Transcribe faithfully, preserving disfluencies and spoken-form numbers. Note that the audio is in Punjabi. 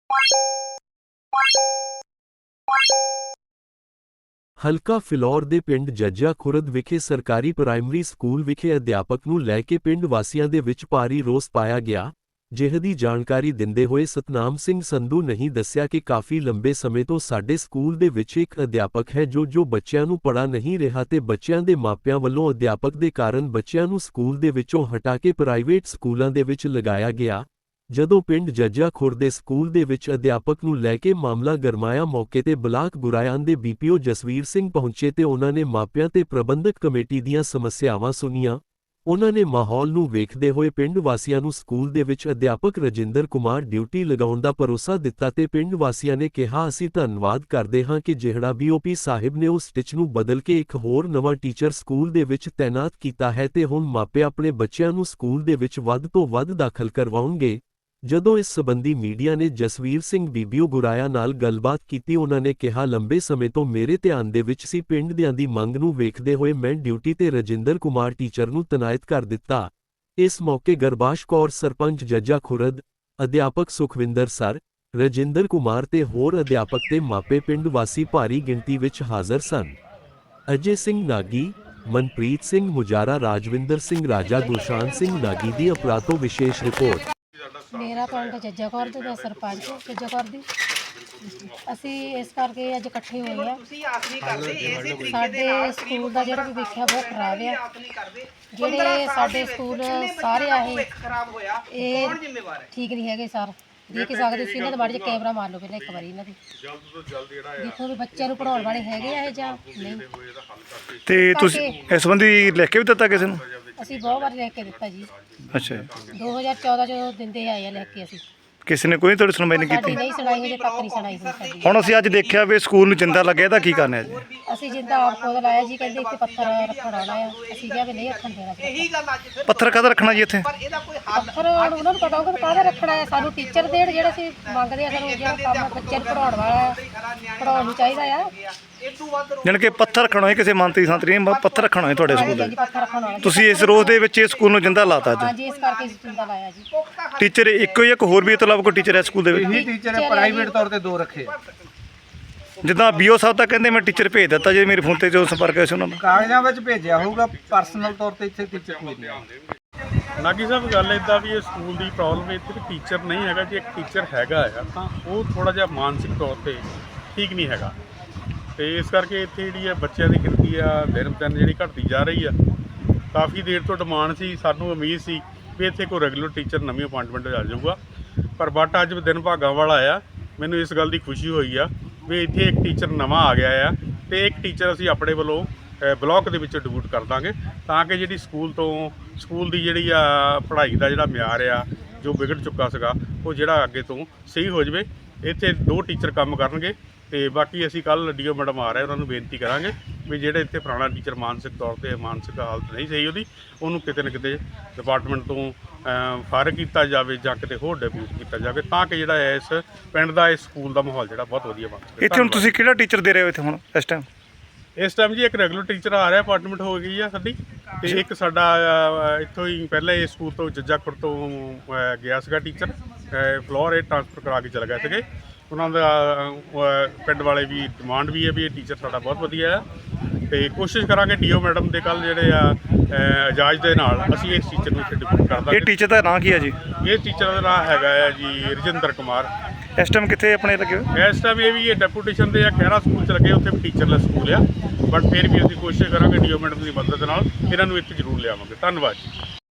ਹਲਕਾ ਫਿਲੌਰ ਦੇ ਪਿੰਡ ਜੱਜਾ ਖੁਰਦ ਵਿਖੇ ਸਰਕਾਰੀ ਪ੍ਰਾਇਮਰੀ ਸਕੂਲ ਵਿਖੇ ਅਧਿਆਪਕ ਨੂੰ ਲੈ ਕੇ ਪਿੰਡ ਵਾਸੀਆਂ ਦੇ ਵਿੱਚ ਭਾਰੀ ਰੋਸ ਪਾਇਆ ਗਿਆ। ਜਿਹਦੀ ਜਾਣਕਾਰੀ ਦਿੰਦੇ ਹੋਏ ਸਤਨਾਮ ਸਿੰਘ ਸੰਧੂ ਨਹੀਂ ਦੱਸਿਆ ਕਿ ਕਾਫੀ ਲੰਬੇ ਸਮੇਂ ਤੋਂ ਸਾਡੇ ਸਕੂਲ ਦੇ ਵਿੱਚ ਇੱਕ ਅਧਿਆਪਕ ਹੈ ਜੋ ਜੋ ਬੱਚਿਆਂ ਨੂੰ ਪੜ੍ਹਾ ਨਹੀਂ ਰਿਹਾ ਤੇ ਬੱਚਿਆਂ ਦੇ ਮਾਪਿਆਂ ਵੱਲੋਂ ਅਧਿਆਪਕ ਦੇ ਕਾਰਨ ਬੱਚਿਆਂ ਨੂੰ ਸਕੂਲ ਦੇ ਵਿੱਚੋਂ ਹਟਾ ਕੇ ਪ੍ਰਾਈਵੇਟ ਸਕੂਲਾਂ ਦੇ ਵਿੱਚ ਲਗਾਇਆ ਗਿਆ। ਜਦੋਂ ਪਿੰਡ ਜੱਜਾ ਖੁਰਦ ਦੇ ਸਕੂਲ ਦੇ ਵਿੱਚ ਅਧਿਆਪਕ ਨੂੰ ਲੈ ਕੇ ਮਾਮਲਾ ਗਰਮਾਇਆ, ਮੌਕੇ ਤੇ ਬਲਾਕ ਗੁਰਾਇਆਂ ਦੇ ਬੀਪੀਓ ਜਸਵੀਰ ਸਿੰਘ ਪਹੁੰਚੇ ਤੇ ਉਹਨਾਂ ਨੇ ਮਾਪਿਆਂ ਤੇ ਪ੍ਰਬੰਧਕ ਕਮੇਟੀ ਦੀਆਂ ਸਮੱਸਿਆਵਾਂ ਸੁਣੀਆਂ। ਉਹਨਾਂ ਨੇ ਮਾਹੌਲ ਨੂੰ ਵੇਖਦੇ ਹੋਏ ਪਿੰਡ ਵਾਸੀਆਂ ਨੂੰ ਸਕੂਲ ਦੇ ਵਿੱਚ ਅਧਿਆਪਕ ਰਜਿੰਦਰ ਕੁਮਾਰ ਡਿਊਟੀ ਲਗਾਉਣ ਦਾ ਭਰੋਸਾ ਦਿੱਤਾ ਤੇ ਪਿੰਡ ਵਾਸੀਆਂ ਨੇ ਕਿਹਾ, ਅਸੀਂ ਧੰਨਵਾਦ ਕਰਦੇ ਹਾਂ ਕਿ ਜਿਹੜਾ ਬੀਓਪੀ ਸਾਹਿਬ ਨੇ ਉਸ ਸਟਿਚ ਨੂੰ ਬਦਲ ਕੇ ਇੱਕ ਹੋਰ ਨਵਾਂ ਟੀਚਰ ਸਕੂਲ ਦੇ ਵਿੱਚ ਤੈਨਾਤ ਕੀਤਾ ਹੈ ਤੇ ਹੁਣ ਮਾਪੇ ਆਪਣੇ ਬੱਚਿਆਂ ਨੂੰ ਸਕੂਲ ਦੇ ਵਿੱਚ ਵੱਧ ਤੋਂ ਵੱਧ ਦਾਖਲ ਕਰਵਾਉਣਗੇ। ਜਦੋਂ ਇਸ ਸਬੰਧੀ ਮੀਡੀਆ ਨੇ ਜਸਵੀਰ ਸਿੰਘ ਬੀਬੀਓ ਗੁਰਾਇਆ ਨਾਲ ਗੱਲਬਾਤ ਕੀਤੀ, ਉਹਨਾਂ ਨੇ ਕਿਹਾ, ਲੰਬੇ ਸਮੇਂ ਤੋਂ ਮੇਰੇ ਧਿਆਨ ਦੇ ਵਿੱਚ ਸੀ। ਪਿੰਡ ਦਿਆਂ ਦੀ ਮੰਗ ਨੂੰ ਵੇਖਦੇ ਹੋਏ ਮੈਂ ਡਿਊਟੀ ਤੇ ਰਜਿੰਦਰ ਕੁਮਾਰ ਟੀਚਰ ਨੂੰ ਤੈਨਾਤ ਕਰ ਦਿੱਤਾ। ਇਸ ਮੌਕੇ ਗਰਬਾਸ਼ ਕੌਰ ਸਰਪੰਚ ਜੱਜਾ ਖੁਰਦ, ਅਧਿਆਪਕ ਸੁਖਵਿੰਦਰ ਸਰ, ਰਜਿੰਦਰ ਕੁਮਾਰ ਤੇ ਹੋਰ ਅਧਿਆਪਕ ਤੇ ਮਾਪੇ ਪਿੰਡ ਵਾਸੀ ਭਾਰੀ ਗਿਣਤੀ ਵਿੱਚ ਹਾਜ਼ਰ ਸਨ। ਅਜੇ ਸਿੰਘ ਨਾਗੀ, ਮਨਪ੍ਰੀਤ ਸਿੰਘ ਮੁਜਾਰਾ, ਰਾਜਵਿੰਦਰ ਸਿੰਘ ਰਾਜਾ, ਗੁਰਸ਼ਾਨ ਸਿੰਘ ਨਾਗੀ ਦੀ ਅਪਰਾਧ ਤੋਂ ਵਿਸ਼ੇਸ਼ ਰਿਪੋਰਟ। ਮੇਰਾ ਪਿੰਡ ਜੱਜਾ ਖੁਰਦ ਦਾ ਸਰਪੰਚ ਜੱਜਾ ਖੁਰਦ ਦੀ ਅਸੀਂ ਇਸ ਕਰਕੇ ਅੱਜ ਇਕੱਠੇ ਹੋਏ ਆ। ਸਾਡੇ ਸਕੂਲ ਦਾ ਜਿਹੜਾ ਵੀ ਵੇਖਿਆ ਬਹੁਤ ਖਰਾਬ ਆ। ਜਿਹੜੇ ਸਾਡੇ ਸਕੂਲ ਸਾਰੇ ਆ ਇਹ ਠੀਕ ਨਹੀਂ ਹੈਗੇ ਸਰ। ਦੇਖ ਸਕਦੇ ਸੀ ਇਹਨਾਂ ਦੇ ਬਾਰੇ ਕੈਮਰਾ ਮਾਰ ਲਓ ਪਹਿਲਾਂ ਇੱਕ ਵਾਰੀ ਇਹਨਾਂ ਦੀ ਦੇਖੋ ਵੀ ਬੱਚਿਆਂ ਨੂੰ ਪੜਾਉਣ ਵਾਲੇ ਹੈਗੇ ਆ ਇਹ ਜਾਂ ਨਹੀਂ। ਤੇ ਤੁਸੀਂ ਇਸ ਸੰਬੰਧੀ ਲਿਖ ਕੇ ਵੀ ਦਿੱਤਾ ਕਿਸੇ ਨੂੰ? ਅਸੀਂ ਬਹੁਤ ਵਾਰ ਲਿਖ ਕੇ ਦਿੱਤਾ ਜੀ। ਅੱਛਾ, ਦੋ ਹਜ਼ਾਰ ਚੌਦਾਂ ਚ ਦਿੰਦੇ ਆਏ ਆ ਲਿਖ ਕੇ। ਅਸੀਂ ਕਿਸੇ ਨੇ ਕੋਈ ਤੁਹਾਡੀ ਸੁਣਵਾਈ ਨਹੀਂ ਕੀਤੀ? ਨਹੀਂ ਸੁਣਾਈ, ਹਜੇ ਤੱਕ ਨਹੀਂ ਸੁਣਾਈ ਸਾਡੀ। ਹੁਣ ਅਸੀਂ ਅੱਜ ਦੇਖਿਆ ਵੀ ਸਕੂਲ ਨੂੰ ਜਿੰਦਾ ਲੱਗਿਆ, ਇਹਦਾ ਕੀ ਕਰਨਾ ਹੈ ਜੀ? ਅਸੀਂ ਜਿੰਦਾ ਆਪ ਖੁਦ ਲਾਇਆ ਜੀ। ਕਹਿੰਦੇ ਇੱਥੇ ਪੱਥਰ ਰੱਖਣ ਆਉਣਾ ਆ। ਅਸੀਂ ਕਿਹਾ ਵੀ ਨਹੀਂ ਰੱਖਣ ਦੇਣਾ। ਪੱਥਰ ਕਾਹਦਾ ਰੱਖਣਾ ਜੀ ਇੱਥੇ? ਪੱਥਰ ਉਹਨਾਂ ਨੂੰ ਪਤਾ ਹੋਊਗਾ ਕਾਹਦਾ ਰੱਖਣਾ ਹੈ। ਸਾਨੂੰ ਟੀਚਰ ਦੇਣ ਜਿਹੜਾ ਅਸੀਂ ਮੰਗਦੇ ਆ। ਸਾਨੂੰ ਜਿਹੜਾ ਕੰਮ ਬੱਚੇ ਨੂੰ ਪੜਾਉਣ ਵਾਲਾ ਪੜਾਉਣ ਨੂੰ ਚਾਹੀਦਾ ਆ। ਜਾਣੀ ਕਿ ਪੱਥਰ ਰੱਖਣਾ ਹੈ, ਕਿਸੇ ਮੰਤਰੀ ਸੰਤਰੀ ਨੇ ਪੱਥਰ ਰੱਖਣਾ ਹੈ ਤੁਹਾਡੇ ਸਕੂਲ ਦੇ? ਪੱਥਰ ਰੱਖਣ ਵਾਲਾ। ਤੁਸੀਂ ਇਸ ਰੋਜ਼ ਦੇ ਵਿੱਚ ਇਹ ਸਕੂਲ ਨੂੰ ਜਿੰਦਾ ਲਾਤਾ ਜੀ? ਹਾਂਜੀ, ਇਸ ਕਰਕੇ ਅਸੀਂ ਜਿੰਦਾ ਲਾਇਆ ਜੀ। ਟੀਚਰ ਇੱਕੋ ਹੀ ਇੱਕ ਹੋਰ ਵੀ ਇਸ ਤੋਂ ਇਲਾਵਾ ਕੋਈ ਟੀਚਰ ਹੈ ਸਕੂਲ ਦੇ ਵਿੱਚ? ਇਹੀ ਟੀਚਰ ਹੈ, ਪ੍ਰਾਈਵੇਟ ਤੌਰ ਤੇ ਦੋ ਰੱਖੇ। ਜਿੱਦਾਂ ਬੀਓ ਸਾਹਿਬ ਤਾਂ ਕਹਿੰਦੇ ਮੈਂ ਟੀਚਰ ਭੇਜ ਦਿੱਤਾ, ਜੇ ਮੇਰੇ ਫੋਨ ਤੇ ਜੋ ਸੰਪਰਕ ਹੈ ਸੀ ਉਹਨਾਂ ਨਾਲ ਕਾਗਜ਼ਾਂ ਵਿੱਚ ਭੇਜਿਆ ਹੋਊਗਾ, ਪਰਸਨਲ ਤੌਰ ਤੇ ਇੱਥੇ ਟੀਚਰ ਕੋਈ ਨਹੀਂ। ਨਾਗੀ ਸਾਹਿਬ ਗੱਲ ਇੱਦਾਂ ਵੀ ਇਹ ਸਕੂਲ ਦੀ ਪ੍ਰੋਬਲਮ ਇੱਥੇ ਟੀਚਰ ਨਹੀਂ ਹੈਗਾ। ਜੇ ਇੱਕ ਟੀਚਰ ਹੈਗਾ ਆ ਤਾਂ ਉਹ ਥੋੜ੍ਹਾ ਜਿਹਾ ਮਾਨਸਿਕ ਤੌਰ 'ਤੇ ਠੀਕ ਨਹੀਂ ਹੈਗਾ ਅਤੇ ਇਸ ਕਰਕੇ ਇੱਥੇ ਜਿਹੜੀ ਆ ਬੱਚਿਆਂ ਦੀ ਗਿਣਤੀ ਆ ਦਿਨ ਦਿਨ ਜਿਹੜੀ ਘਟਦੀ ਜਾ ਰਹੀ ਆ। ਕਾਫੀ ਦੇਰ ਤੋਂ ਡਿਮਾਂਡ ਸੀ, ਸਾਨੂੰ ਉਮੀਦ ਸੀ ਵੀ ਇੱਥੇ ਕੋਈ ਰੈਗੂਲਰ ਟੀਚਰ ਨਵੀਂ ਅਪਾਇੰਟਮੈਂਟ ਆ ਜਾਊਗਾ, ਪਰ ਬਟ ਅੱਜ ਦਿਨ ਭਾਗਾਂ ਵਾਲਾ ਆ। ਮੈਨੂੰ ਇਸ ਗੱਲ ਦੀ ਖੁਸ਼ੀ ਹੋਈ ਆ ਵੀ ਇੱਥੇ ਇੱਕ ਟੀਚਰ ਨਵਾਂ ਆ ਗਿਆ ਆ ਅਤੇ ਇੱਕ ਟੀਚਰ ਅਸੀਂ ਆਪਣੇ ਵੱਲੋਂ ਬਲਾਕ ਦੇ ਵਿੱਚ ਡਿਪੂਟ ਕਰ ਦਾਂਗੇ ਤਾਂ ਕਿ ਜਿਹੜੀ ਸਕੂਲ ਤੋਂ ਸਕੂਲ ਦੀ ਜਿਹੜੀ ਆ ਪੜ੍ਹਾਈ ਦਾ ਜਿਹੜਾ ਮਿਆਰ ਆ ਜੋ ਵਿਗੜ ਚੁੱਕਾ ਸੀਗਾ ਉਹ ਜਿਹੜਾ ਅੱਗੇ ਤੋਂ ਸਹੀ ਹੋ ਜਾਵੇ। ਇੱਥੇ ਦੋ ਟੀਚਰ ਕੰਮ ਕਰਨਗੇ ਅਤੇ ਬਾਕੀ ਅਸੀਂ ਕੱਲ੍ਹ ਡੀ ਓ ਮੈਡਮ ਆ ਰਹੇ, ਉਹਨਾਂ ਨੂੰ ਬੇਨਤੀ ਕਰਾਂਗੇ ਵੀ ਜਿਹੜੇ ਇੱਥੇ ਪੁਰਾਣਾ ਟੀਚਰ ਮਾਨਸਿਕ ਤੌਰ 'ਤੇ ਮਾਨਸਿਕ ਹਾਲਤ ਨਹੀਂ ਸਹੀ ਉਹਦੀ, ਉਹਨੂੰ ਕਿਤੇ ਨਾ ਕਿਤੇ ਡਿਪਾਰਟਮੈਂਟ ਤੋਂ ਫਾਰਗ ਕੀਤਾ ਜਾਵੇ ਜਾਂ ਕਿਤੇ ਹੋਰ ਡਿਪਿਊਟ ਕੀਤਾ ਜਾਵੇ ਤਾਂ ਕਿ ਜਿਹੜਾ ਇਸ ਪਿੰਡ ਦਾ ਇਸ ਸਕੂਲ ਦਾ ਮਾਹੌਲ ਜਿਹੜਾ ਬਹੁਤ ਵਧੀਆ ਬਣ ਸਕੇ। ਇੱਥੇ ਹੁਣ ਤੁਸੀਂ ਕਿਹੜਾ ਟੀਚਰ ਦੇ ਰਹੇ ਹੋ ਇੱਥੇ ਹੁਣ ਇਸ ਟਾਈਮ? ਇਸ ਟਾਈਮ ਜੀ ਇੱਕ ਰੈਗੂਲਰ ਟੀਚਰ ਆ ਰਿਹਾ, ਅਪਾਇੰਟਮੈਂਟ ਹੋ ਗਈ ਆ ਸਾਡੀ, ਅਤੇ ਇੱਕ ਸਾਡਾ ਇੱਥੋਂ ਹੀ ਪਹਿਲਾਂ ਇਹ ਸਕੂਲ ਤੋਂ ਜੱਜਾ ਖੁਰਦ ਤੋਂ ਗਿਆ ਸੀਗਾ ਟੀਚਰ, ਫਲੋਰ ਇਹ ਟ੍ਰਾਂਸਫਰ ਕਰਾ ਕੇ ਚਲੇ ਗਏ ਸੀਗੇ। ਉਹਨਾਂ ਦਾ ਪਿੰਡ ਵਾਲੇ ਵੀ ਡਿਮਾਂਡ ਵੀ ਹੈ ਵੀ ਇਹ ਟੀਚਰ ਸਾਡਾ ਬਹੁਤ ਵਧੀਆ ਆ ਅਤੇ ਕੋਸ਼ਿਸ਼ ਕਰਾਂਗੇ ਡੀ ਓ ਮੈਡਮ ਦੇ ਕੱਲ੍ਹ ਜਿਹੜੇ ਆ ਇਜਾਜ਼ ਦੇ ਨਾਲ ਅਸੀਂ ਇਸ ਟੀਚਰ ਨੂੰ ਇੱਥੇ ਡਿਪੂਟ ਕਰ ਦਾਂਗੇ। ਇਹ ਟੀਚਰ ਦਾ ਨਾਂ ਕੀ ਹੈ ਜੀ? ਇਹ ਟੀਚਰ ਦਾ ਨਾਂ ਹੈਗਾ ਆ ਜੀ ਰਜਿੰਦਰ ਕੁਮਾਰ। ਇਸ ਟਾਈਮ ਕਿੱਥੇ ਆਪਣੇ ਲੱਗੇ ਹੋਏ? ਇਸ ਟਾਈਮ ਇਹ ਵੀ ਇਹ ਡੈਪੂਟੇਸ਼ਨ ਦੇ ਆ ਖਹਿਰਾ ਸਕੂਲ 'ਚ ਲੱਗੇ, ਉੱਥੇ ਵੀ ਟੀਚਰਲੈਸ ਸਕੂਲ ਆ, ਬਟ ਫਿਰ ਵੀ ਅਸੀਂ ਕੋਸ਼ਿਸ਼ ਕਰਾਂਗੇ ਡੀ ਓ ਮੈਡਮ ਦੀ ਮਦਦ ਨਾਲ ਇਹਨਾਂ ਨੂੰ ਇੱਥੇ ਜ਼ਰੂਰ ਲਿਆਵਾਂਗੇ। ਧੰਨਵਾਦ ਜੀ।